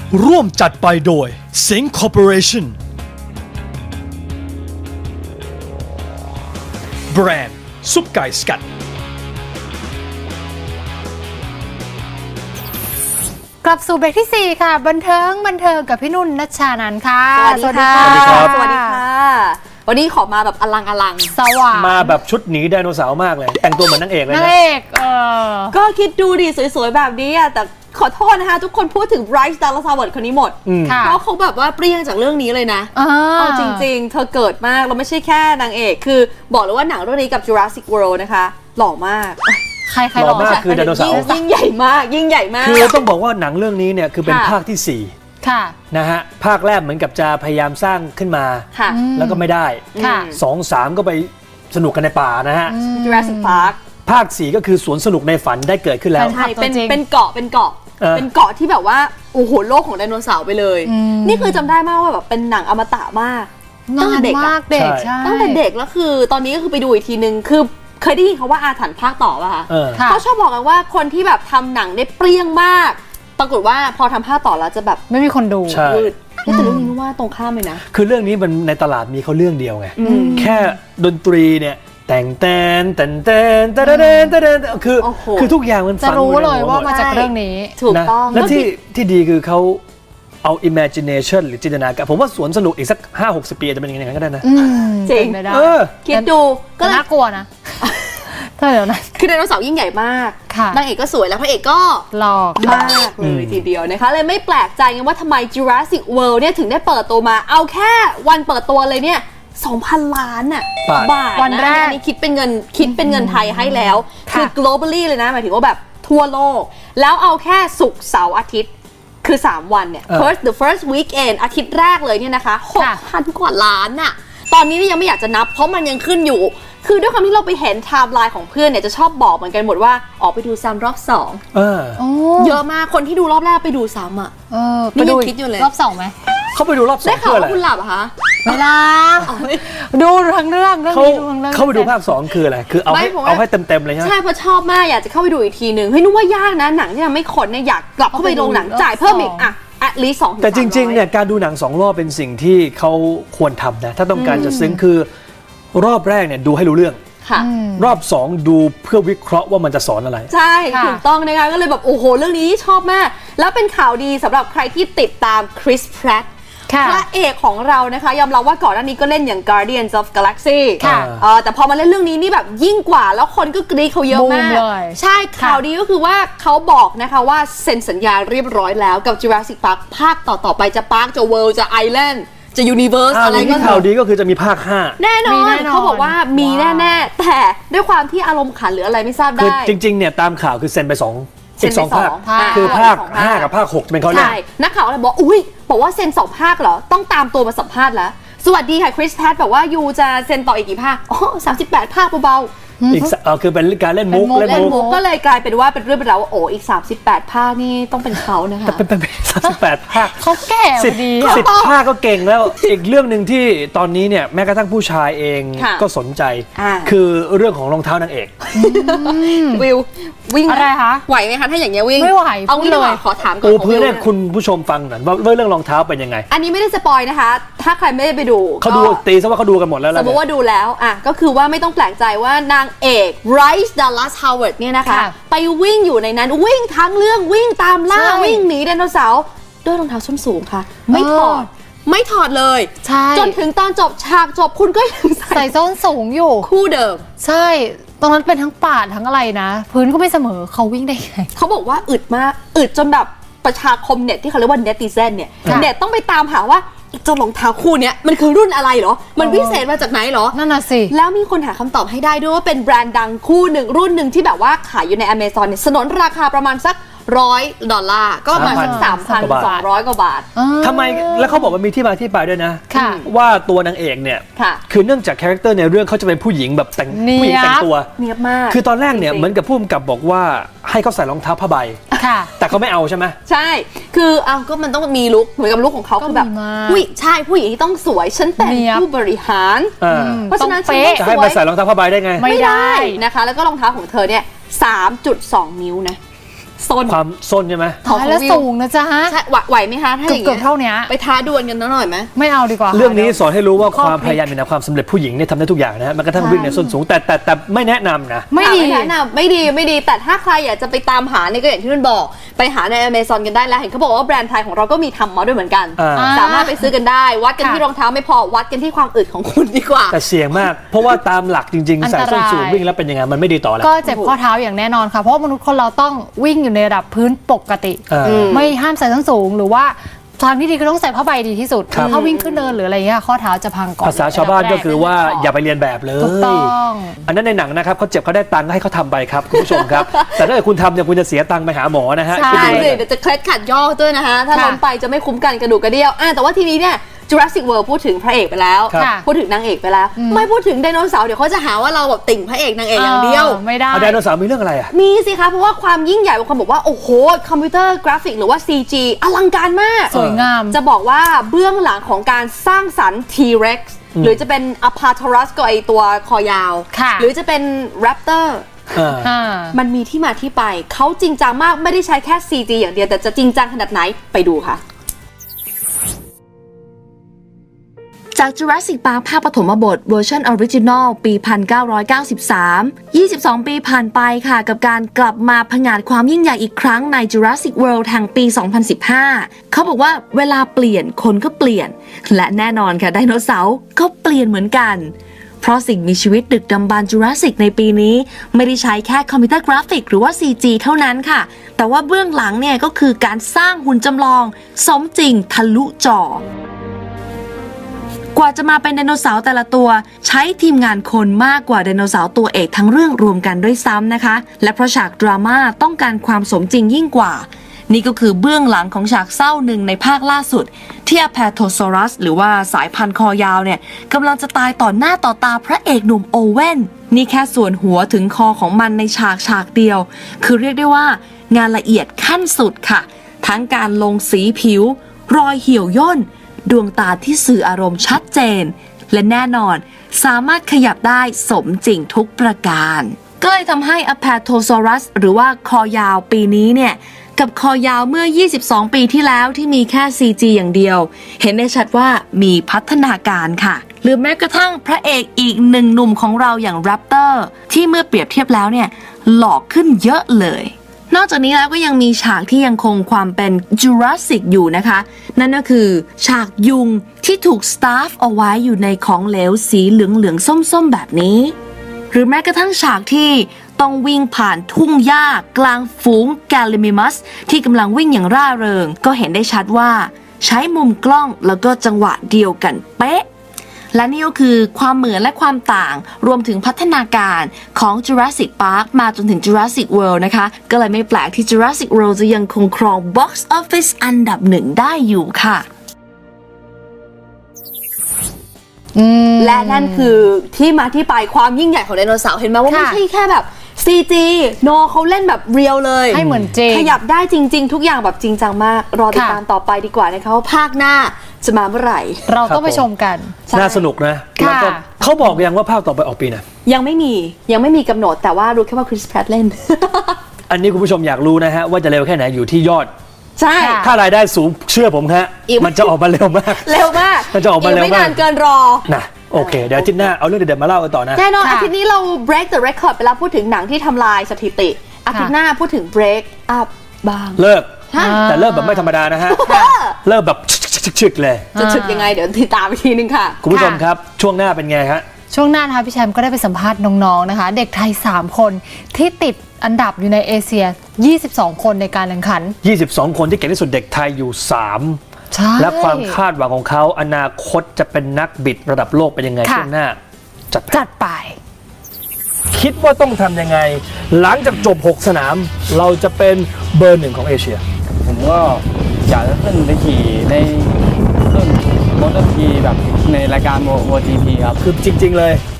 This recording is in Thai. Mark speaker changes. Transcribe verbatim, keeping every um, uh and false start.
Speaker 1: ร่วมจัดไปโดย Sing Corporation แบรนด์ซุปไก่สกัด
Speaker 2: กลับสู่เบรกที่สี่ค่ะบันเทิงบันเทิงกับพี่นุ่นณัชชานันท์ค่ะ
Speaker 3: สวัสดีค่ะ
Speaker 1: สวัสดีครับ
Speaker 3: สวัสดีค่ะวันนี้ขอมาแบบอลังอลัง
Speaker 2: สว่าง
Speaker 1: มาแบบชุดหนีไดโนเสาร์มากเลย แต่งตัวเหมือนนางเอกเลย
Speaker 2: นาง
Speaker 1: นะ
Speaker 2: เอกเออ
Speaker 3: ก็คิดดูดิสวยๆแบบนี้อะแต่ขอโทษนะคะ ทุกคนพูดถึงไบรท์ ดัลลัส ฮาวเวิร์ดคนนี้หมด
Speaker 2: ค่ะ
Speaker 3: เพราะเขาแบบว่าเปรี้ยงจากเรื่องนี้เลยนะ
Speaker 2: อ่า
Speaker 3: เอาจริงๆ เธอเกิดมากเราไม่ใช่แค่นางเอกคือบอกเลยว่าหนังเรื่องนี้กับ Jurassic World นะคะหล่อมาก
Speaker 2: ใครใคร
Speaker 1: หล่อมากคือไดโนเสาร์
Speaker 3: ยิ่งใหญ่มากยิ่งใหญ่มาก
Speaker 1: คือต้องบอกว่าหนังเรื่องนี้เนี่ยคือเป็น
Speaker 3: ค่ะ
Speaker 1: ภาคที่สี่
Speaker 2: ค่ะ
Speaker 1: นะฮะภาคแรกเหมือนกับจะพยายามสร้างขึ้นมา
Speaker 3: ค่ะ
Speaker 1: แล้วก็ไม่ได้
Speaker 2: ค่ะ
Speaker 1: สองสามก็ไปสนุกกันในป่านะฮะ
Speaker 3: Jurassic Park
Speaker 1: ภาคสี่ก็คือสวนสนุกในฝันได้เกิดขึ้นแล้ว
Speaker 2: แฟนคลับ
Speaker 3: ใช่เป็น
Speaker 2: ตัวจริง
Speaker 3: เป็นเกาะเป็นเกาะ
Speaker 1: เออ
Speaker 3: เป็นเกาะที่แบบว่าโอ้โหโลกของไดโนเสาร์ไปเลย
Speaker 2: อืม
Speaker 3: นี่คือจำได้มากว่าแบบเป็นหนังอมตะมาก ตั้งแต่
Speaker 2: นาน
Speaker 3: เด็กอะ
Speaker 2: มากเด็ก
Speaker 1: ใช่
Speaker 2: ใช่
Speaker 3: ตั้งแต่เด็กแล้วคือตอนนี้ก็คือไปดูอีกทีนึงคือเคยได้ยินเขาว่าอาถรรพ์ภาคต่อป่ะคะ
Speaker 1: เออ
Speaker 2: ค่ะ
Speaker 3: เขาชอบบอกกันว่าคนที่แบบทำหนังได้เปรี้ยงมาก ปรากฏว่าพอทำภาคต่อแล้วจะแบบ
Speaker 2: ไม่มีคนดู
Speaker 1: ใช่
Speaker 3: วืดเฮ้ยแต่เรื่องนี้นึกว่าตรงข้ามเลยนะ
Speaker 1: คือเรื่องนี้มันในตลาดมีเขาเรื่องเดียวไง
Speaker 3: อืม
Speaker 1: แค่ดนตรีเนี่ยแต่งแตนแต่งแตนแต่แตนแต่แตนคือ
Speaker 3: โอ้โห
Speaker 1: คือทุกอย่างมัน
Speaker 2: จะ
Speaker 1: ฝัง
Speaker 2: รู้
Speaker 1: อยู่ใน
Speaker 2: เลย
Speaker 1: หั
Speaker 2: ว่า
Speaker 1: หม
Speaker 2: มา
Speaker 1: ด
Speaker 2: จากเรื่องนี้
Speaker 3: ถูก
Speaker 1: นะ
Speaker 3: ต้อง
Speaker 1: และที่ที่ดีคือเขาเอา imagination หรือจินตนาการผมว่าสวนสนุกอีกสัก ห้าหกสิบ ปีจะเป็นยังไงก็ได้นะ
Speaker 2: อืม
Speaker 3: จริง
Speaker 2: เป็นไปได้
Speaker 1: เออ
Speaker 3: คิดดูก็
Speaker 2: ก็
Speaker 3: เลย
Speaker 2: น่ากลัวนะถ้าเดี๋ยวนั้น
Speaker 3: คือไดโนเสาร์ยิ่งใหญ่มาก
Speaker 2: ค่ะ
Speaker 3: นางเอกก็สวยแล้วพระเอกก็
Speaker 2: หลอก
Speaker 3: มากเลยทีเดียวนะคะเลยไม่แปลกใจไงว่าทำไม Jurassic World เนี่ยถึงได้เปิดตัวมา เอาแค่วันเปิดตัวเลยเนี่ย สองพัน ล้านน่ะ
Speaker 1: บาท
Speaker 3: บาท
Speaker 2: วันแรก
Speaker 3: ะอันนี้คิดเป็นเงินคิดเป็นเงินไทยให้แล้ว
Speaker 2: ค่ะ
Speaker 3: คือ globally เลยนะหมายถึงว่าแบบทั่วโลก แล้วเอาแค่ศุกร์เสาร์อาทิตย์คือ สาม วันเนี่ย
Speaker 1: เออ
Speaker 3: first the first weekend อาทิตย์แรกเลยเนี่ยนะคะ
Speaker 2: ค่ะ
Speaker 3: หกพัน กว่าล้านน่ะตอนนี้เนี่ยยังไม่อยากจะนับเพราะมันยังขึ้นอยู่ คือด้วยความที่เราไปเห็นไทม์ไลน์ของเพื่อนเนี่ยจะชอบบอกเหมือนกันหมดว่าออกไปดูซ้ำรอบสอง
Speaker 1: เออ
Speaker 2: โอ้
Speaker 3: เยอะมากคนที่ดูรอบแรกไปดูซ้ำอ่ะ
Speaker 2: เออ
Speaker 3: นี่
Speaker 2: ไปดู
Speaker 3: ยังคิดอยู่เลย
Speaker 2: รอบสองไหม
Speaker 1: เขาไปดูรอบสอ
Speaker 3: ได้
Speaker 1: ง
Speaker 3: ข่า
Speaker 1: เพื่
Speaker 3: ว
Speaker 1: ออะไร
Speaker 3: ว่าคุณหลับเหรอคะ
Speaker 2: ไม่ล่ะดูทั้งเรื่องเรื่อง
Speaker 1: เขา
Speaker 2: นี้ดูทั้งเรื่อง
Speaker 1: เขาไปดูภาคสองคืออะไรคือเอาให้
Speaker 3: ไม่ผมว่า
Speaker 1: เอาให้เต็มๆเลยใช่ไหม
Speaker 3: ใช่เพราะชอบมากอยากจะเข้าไปดูอีกทีหนึ่งเฮ้ยนึกว่ายากนะหนังที่ทำให้คนเนี่ยอยากกลับเข้าไปโรงหนังจ่ายเพิ่มอีกอ่ะ at least สองถึง
Speaker 1: แต่จริงๆ
Speaker 3: สามร้อย
Speaker 1: เนี่ยการดูหนังสองรอบเป็นสิ่งที่เขาควรทำนะถ้าต้องการจะซึ้งคือรอบแรกเนี่ยดูให้รู้เรื่อง
Speaker 3: ค่ะ
Speaker 2: อืม
Speaker 1: รอบสองดูเพื่อวิเคราะห์ว่ามันจะสอนอะไร
Speaker 3: ใช่
Speaker 2: ค่ะ
Speaker 3: ถูกต้องนะคะก็เลยแบบโอ้โหเรื่องนี้ชอบมาก แล้วเป็นข่าวดีสำหรับใครที่ติดตามคริส แพรตต์
Speaker 2: ค่ะ
Speaker 3: พระเอกของเรานะคะยอมรับว่าก่อนหน้านี้ก็เล่นอย่าง Guardians of Galaxy
Speaker 2: ค่ะ
Speaker 3: เออแต่พอมาเล่นเรื่องนี้นี่แบบยิ่งกว่าแล้วคนก็กรี๊ดเขาเยอะมาก
Speaker 2: บูมเลย
Speaker 3: ใช่ข่าวดีก็คือว่าเขาบอกนะคะว่าเซ็นสัญญาเรียบร้อยแล้วกับ Jurassic Park ภาคต่อ ๆ ไปจะ Park จะ World จะ Island จะ Universe
Speaker 1: อ่า
Speaker 3: อะไร
Speaker 1: นี่
Speaker 3: ก็
Speaker 1: ข่าวดีก็คือจะมีภาคห้า
Speaker 3: แน่นอ
Speaker 2: มี
Speaker 3: น
Speaker 2: แน่นอน
Speaker 3: เขาบอกว่ามี
Speaker 2: ว้าว
Speaker 3: แน่ ๆ แต่ด้วยความที่อารมณ์ขันหรืออะไรไม่ทราบ
Speaker 1: คือ
Speaker 3: ได้
Speaker 1: จริงๆเนี่ยตามข่าวคือเซ็นไปสอง
Speaker 3: เซ็
Speaker 1: อี
Speaker 3: น
Speaker 1: ก
Speaker 3: ไป
Speaker 1: สองภาค
Speaker 3: สองภาค
Speaker 1: คือภาค
Speaker 3: สองภาค
Speaker 1: ห้ากับภาคหกจะเป็นเขาเล่น
Speaker 3: ใช่นักข่าวเลยบอกอุ้ยบอกว่าเซ็นสองภาคเหรอ ต้องตามตัวมาสัมภาษณ์แล้ว สวัสดีค่ะคริส แพรตต์บอกว่ายูจะเซ็นต่ออีกกี่ภาค อ๋อสามสิบแปดภาคเบา
Speaker 1: อีกสเออคือเป็นการเล่นมุก
Speaker 2: เป็นมุก
Speaker 3: ๆ
Speaker 1: เล่น
Speaker 3: เล่น
Speaker 1: มุก
Speaker 3: มุกก็เลยกลายเป็นว่าเป็นเรื่องเป็นราวว่าโอ้อีก สามสิบแปด ภาคนี่ต้องเป็นเขานะคะ
Speaker 1: เป็นเป็นสามสิบแปดภาค
Speaker 2: เขาแก่
Speaker 1: สิบ
Speaker 2: ดี
Speaker 1: สิบภาคก็เก่งแล้ว อีกเรื่องหนึ่งที่ตอนนี้เนี่ยแม้กระทั่งผู้ชายเอง
Speaker 3: ค่ะ
Speaker 1: ก็สนใจ
Speaker 3: อ่า
Speaker 1: คือเรื่องของรองเท้านางเอก
Speaker 3: วิววิ่งหม
Speaker 2: อะไรคะ
Speaker 3: ไหวไหมคะถ้าอย่างเงี้ยวิ่ง
Speaker 2: ไม่ไหว
Speaker 3: เอางี้
Speaker 2: พูด
Speaker 3: ดีกว่า
Speaker 2: เลย
Speaker 3: ขอถามก่อน
Speaker 1: ปู
Speaker 3: ของ
Speaker 1: พื้น
Speaker 3: วิว
Speaker 1: ให้คุณผู้ชมฟังหน่อยว่าว่าเรื่องรองเท้าเป็นยังไง
Speaker 3: อันนี้ไม่ได้สปอยนะคะ ถ้าใครไม่ได้ไปดู
Speaker 1: เขาดู
Speaker 3: ก็
Speaker 1: ตีซะว่าเขาดูกันหมดแล้ว
Speaker 3: ส
Speaker 1: แล้ว
Speaker 3: มมติว่าดูแล้วอ่ะก็คือว่าไม่ต้องแปลกใจว่านางเอกไรซ์ดัลลัส ฮาวเวิร์ดเนี่ยนะคะ
Speaker 2: ค่ะ
Speaker 3: ไปวิ่งอยู่ในนั้นวิ่งทั้งเรื่องวิ่งตามล่า
Speaker 2: ใช่
Speaker 3: วิ่งหนีไดโนเสาร์ด้วยรองเท้าส้นสูงค่ะ ไม่ถอด
Speaker 2: เออ
Speaker 3: ไม่ถอดเลย
Speaker 2: ใช่
Speaker 3: จนถึงตอนจบฉากจบคุณก็ยังใส่
Speaker 2: ใส่ส้นสูงอยู่
Speaker 3: คู่เดิม
Speaker 2: ใช่ ตรงนั้นเป็นทั้งป่าทั้งอะไรนะ พื้นก็ไม่เสมอเขาวิ่งได้ไง
Speaker 3: เขาบอกว่าอึดมากอึดจนแบบประชาคมเน็ตที่เขาเรียกว่าเนติเซนเนี่ย
Speaker 2: ค่ะ
Speaker 3: เน็ตต้องไปตามหาว่าเจ้ารองเท้าคู่เนี้ยมันคือรุ่นอะไรเหรอมันพิเศษมาจากไหนเหรอ
Speaker 2: นั่นน่ะสิ
Speaker 3: แล้วมีคนหาคำตอบให้ได้ด้วยว่าเป็นแบรนด์ดังคู่หนึ่งรุ่นหนึ่งที่แบบว่าขายอยู่ใน Amazon เนี่ยสนนราคาประมาณสักร้อยดอลลาร์ก็ประมาณสักสามพันสองร้อยกว่าบาท
Speaker 1: ทำไมแล้วเขาบอกว่ามีที่มาที่ไปด้วยนะ
Speaker 2: ค่ะ
Speaker 1: ว่าตัวนางเอกเนี่ย
Speaker 3: ค่ะ
Speaker 1: คือเนื่องจากคาแรคเตอร์ในเรื่องเขาจะเป็นผู้หญิงแบบแต่ง
Speaker 2: เนี๊ยบ
Speaker 1: ผู้หญิงแต่งตัว
Speaker 3: เนียบมาก
Speaker 1: คือตอนแรกเนี่ย
Speaker 3: จริงๆ
Speaker 1: เหมือนกับผู้กำกับบอกว่าให้เขาใส่รองเท้าผ้าใบ
Speaker 2: ค่ะ
Speaker 1: แต่เขาไม่เอาใช่ไหม
Speaker 3: ใช่ คือเอาก็มันต้องมีลุคเหมือนกับลุคของเขา
Speaker 2: ก็
Speaker 3: คือแบบ
Speaker 2: มีมาก
Speaker 3: ผู้หญิงใช่ผู้หญิงที่ต้องสวยฉันเป็น
Speaker 2: เนี๊ยบ
Speaker 3: ผู้บริหาร
Speaker 1: อ่า
Speaker 3: เพราะฉะนั้น
Speaker 2: ต้องเป๊ะ
Speaker 3: ฉัน
Speaker 1: จะให้มาใส่รองเท้าผ้าใบได้ไง
Speaker 2: ไม่ได้
Speaker 3: นะคะ แล้วก็รองเท้าของเธอเนี่ย สามจุดสอง นิ้วนะโซน
Speaker 1: ความส้นใช่ไหม
Speaker 3: ของ
Speaker 2: ตายแล้ว
Speaker 3: วิว
Speaker 2: สูงนะจ๊ะ
Speaker 3: ใช่ไหวไหวไหมคะถ้าอย่าง
Speaker 2: เกือบ
Speaker 3: เงี้ย
Speaker 2: ๆเท่านี้
Speaker 3: ไปท้าดวลกันหน่อยไหม
Speaker 2: ไม่เอาดีกว่า
Speaker 1: เรื่องนี้สอนให้รู้ว่า
Speaker 2: ข้อ
Speaker 1: ความ
Speaker 2: พลิก
Speaker 1: พยายามเป็นความสำเร็จผู้หญิงเนี่ยทำได้ทุกอย่างนะฮะแม้กระทั่งวิ่งในส้นสูงแต่แต่แต่ไม่แนะนำนะ
Speaker 2: ไม่ดี
Speaker 3: ไม่แนะนำไม่ดีไม่ดีแต่ถ้าใครอยากจะไปตามหาเนี่ยก็อย่างที่นุ่นบอกไปหาใน Amazon กันได้แล้วเห็นเขาบอกว่าแบรนด์ไทยของเราก็มีทำมาด้วยเหมือนกัน
Speaker 1: อ่า
Speaker 3: สามารถไปซื้อกันได้ วัดกัน
Speaker 2: ค่ะ
Speaker 3: ที่รองเท้าไม่พอวัดกันที่ความอึดของคุณดีกว่า
Speaker 1: แต่เสี่ยงมาก เพราะว่าตามหลักจริง
Speaker 2: อั
Speaker 1: ๆ
Speaker 2: น
Speaker 1: ใส่
Speaker 2: ตราย
Speaker 1: ส้นสูงวิ่งแล้วเป็นยังไงมันไม่ดีต่อแล้ว
Speaker 2: ก็เจ็บข้อเท้าอย่างแน่นอนค่ะ เพราะว่ามนุษย์คนเราต้องวิ่งอยู่ในระดับพื้นปกติ
Speaker 1: อ่า
Speaker 2: ไม่ห้ามใส่ส้นสูงหรือว่าทางที่ดีคือต้องใส่ผ้าใบดีที่สุด
Speaker 1: ครับ
Speaker 2: ถ้าวิ่งขึ้นเนินหรืออะไรเงี้ยข้อเท้าจะพังก่อน
Speaker 1: ภาษาชาวบ้านก็คือว่า
Speaker 2: อันดับแรก
Speaker 1: อย่าไปเรียนแบบเลย
Speaker 2: ถูกต้อง
Speaker 1: อันนั้นในหนังนะครับเขาเจ็บเขาได้ตังค์ก็ให้เขาทำไปครับคุณผู้ชมครับ แต่ถ้าเกิดคุณทำเนี่ยคุณจะเสียตังค์ไปหาหมอนะฮะ
Speaker 2: ใช่
Speaker 1: คิด
Speaker 3: ใช่
Speaker 1: ดู
Speaker 3: เล
Speaker 1: เลย ย
Speaker 3: เดี๋ยวจะเคล็ดขัดย่อด้วยนะคะ ถ้า
Speaker 2: ค่ะ
Speaker 3: ล้มไปจะไม่คุ้มกันกระดูกกระเดี่ยวอ่ะแต่ว่าทีนี้เนี่ย Jurassic World พูดถึงพระเอกไปแล้ว
Speaker 1: ครับ
Speaker 2: ค่ะ
Speaker 3: พูดถึงนางเอกไปแล้ว ไม่พูดถึงไดโนเสาร์เดี๋ยวเขาจะหาว่าเราแบบติ่งพระเอกนางเอกอย่างเดียว
Speaker 2: ออไม่ได้
Speaker 1: เอาไดโนเสาร์มีเรื่องอะไรอ่ะ
Speaker 3: มีสิคะเพราะว่าความยิ่งใหญ่บางคนบอกว่า โอ้โห คอมพิวเตอร์กราฟิกหรือว่า ซี จี อลังการมาก
Speaker 2: สวยงาม
Speaker 3: จะบอกว่าเบื้องหลังของการสร้างสรรค์ T-Rex หรือจะเป็น Apatosaurus ก็ไอตัวคอยาว
Speaker 2: ค่ะ
Speaker 3: หรือจะเป็น Raptor
Speaker 1: อ่า
Speaker 2: อ่า
Speaker 3: มันมีที่มาที่ไป เขาจริงจังมากไม่ได้ใช้แค่ ซี จี อย่างเดียว แต่จะจริงจังขนาดไหนไปดูค่ะ จาก Jurassic Park ภาคปฐมบทเวอร์ชันออริจินอลปี หนึ่งพันเก้าร้อยเก้าสิบสาม ยี่สิบสอง ปีผ่านไปค่ะ กับการกลับมาผงาดความยิ่งใหญ่อีกครั้งใน Jurassic World แห่งปี สองพันสิบห้า เขาบอกว่าเวลาเปลี่ยนคนก็เปลี่ยน และแน่นอนค่ะไดโนเสาร์ก็เปลี่ยนเหมือนกัน เพราะสิ่งมีชีวิตดึกดำบรรพ์ Jurassic ในปีนี้ ไม่ได้ใช้แค่คอมพิวเตอร์กราฟิกหรือว่า ซี จี เท่านั้นค่ะ แต่ว่าเบื้องหลังเนี่ยก็คือการสร้างหุ่นจำลอง สมจริงทะลุจอ กว่าจะมาเป็นไดโนเสาร์แต่ละตัว ใช้ทีมงานคนมากกว่าไดโนเสาร์ตัวเอกทั้งเรื่องรวมกันด้วยซ้ำนะคะ และเพราะฉากดราม่าต้องการความสมจริงยิ่งกว่า นี่ก็คือเบื้องหลังของฉากเศร้าหนึ่งในภาคล่าสุดที่ Apatosaurus หรือว่าสายพันธุ์คอยาวเนี่ยกำลังจะตายต่อหน้าต่อตาพระเอกหนุ่มโอเว่นนี่แค่ส่วนหัวถึงคอของมันในฉากฉากเดียว คือเรียกได้ว่างานละเอียดขั้นสุดค่ะ ทั้งการลงสีผิว รอยเหี่ยวย่น ดวงตาที่สื่ออารมณ์ชัดเจน และแน่นอนสามารถขยับได้สมจริงทุกประการ ก็เลยทำให้ Apatosaurus หรือว่าคอยาวปีนี้เนี่ยกับคอยาวเมื่อ ยี่สิบสอง ปีที่แล้วที่มีแค่ ซี จี อย่างเดียว เห็นได้ชัดว่ามีพัฒนาการค่ะ หรือแม้กระทั่งพระเอกอีกหนึ่งหนุ่มของเราอย่าง Raptor ที่เมื่อเปรียบเทียบแล้วเนี่ยหล่อขึ้นเยอะเลย นอกจากนี้แล้วก็ยังมีฉากที่ยังคงความเป็น Jurassic อยู่นะคะ นั่นก็คือฉากยุงที่ถูกสตาฟเอาไว้อยู่ในของเหลวสีเหลืองๆส้มๆแบบนี้ หรือแม้กระทั่งฉากที่ต้องวิ่งผ่านทุ่งหญ้ากลางฝูงแกลลิมิมัสที่กำลังวิ่งอย่างร่าเริง ก็เห็นได้ชัดว่าใช้มุมกล้องแล้วก็จังหวะเดียวกันเป๊ะ และนี่ก็คือความเหมือนและความต่างรวมถึงพัฒนาการของ Jurassic Park มาจนถึง Jurassic World นะคะ ก็เลยไม่แปลกที่ Jurassic World จะยังคงครอง Box Office อันดับหนึ่งได้อยู่ค่ะ และนั่นคือที่มาที่ไปความยิ่งใหญ่ของไดโนเสาร์เห็นไหมว่าไม่
Speaker 2: ค่ะ
Speaker 3: ใช่แค่แบบ ซี จี โนเขาเล่นแบบเรียลเลย
Speaker 2: ให้เหมือนจริง
Speaker 3: ขยับได้จริง ๆ ทุกอย่างแบบจริงจังมาก รอติดตามต่อไปดีกว่านะคะว่าภาคหน้าจะมาเมื่อไหร่
Speaker 2: เราต้องไปชมกัน
Speaker 3: ใช่
Speaker 1: น่าสนุกนะ
Speaker 2: ค่ะ
Speaker 1: แล้วก็เขาบอกยังว่าภาคต่อไปออกปีไหนะ
Speaker 3: ยังไม่มียังไม่มีกำหนดแต่ว่ารู้แค่ว่าคริสแพรตเล่น
Speaker 1: อันนี้คุณผู้ชมอยากรู้นะฮะว่าจะเร็วแค่ไหนอยู่ที่ยอด
Speaker 3: ใช่
Speaker 2: ค่ะ
Speaker 1: ถ้ารายได้สูงเชื่อผมฮะ
Speaker 3: อีก
Speaker 1: มันจะออกมาเร็วมาก
Speaker 3: เร็วมาก
Speaker 1: มันจะออกมาเร็วมาก
Speaker 3: ไม่นานเกินรอ
Speaker 1: นะโอเค เดี๋ยวอาทิตย์หน้าเอาเรื่องเด็ดๆมาเล่ากันต่อนะ
Speaker 3: แน่นอน
Speaker 2: ค่ะ
Speaker 3: อาทิตย์นี้เรา break the record ไปแล้วพูดถึงหนังที่ทำลายสถิติ อาทิตย์หน้าพูดถึง break up บ้าง
Speaker 1: เลิก
Speaker 3: ฮะ
Speaker 1: แต่เลิกแบบไม่ธรรมดานะฮะ เลิกแบบชึกๆๆเลย
Speaker 3: จะถึกยังไงเดี๋ยวติดตามอีกทีนึงค่ะ
Speaker 1: คุณผู้ชมครับ ช่วงหน้าเป็นไงฮะ
Speaker 2: ช่วงหน้านะคะพี่แชมป์ก็ได้ไปสัมภาษณ์น้องๆนะคะ เด็กไทย สาม คนที่ติดอันดับอยู่ในเอเชีย ยี่สิบสอง คนในการแข่งขัน
Speaker 1: ยี่สิบสอง คนที่เก่งที่สุดเด็กไทยอยู่ สาม
Speaker 2: ใช่
Speaker 1: และความคาดหวังของเขาอนาคตจะเป็นนักบิดระดับโลกเป็นยังไง
Speaker 2: ค่ะ
Speaker 1: ช่วงหน้า จัดไป
Speaker 2: จัดไป
Speaker 1: คิดว่าต้องทำยังไง หลังจากจบ หก สนาม เราจะเป็นเบอร์หนึ่งของเอเชีย
Speaker 4: ผมก็อยากจะขึ้นไปขี่ในรุ่นมอเตอร์พีแบบในรายการโมจีพีครับ
Speaker 1: คือจริง ๆ เลย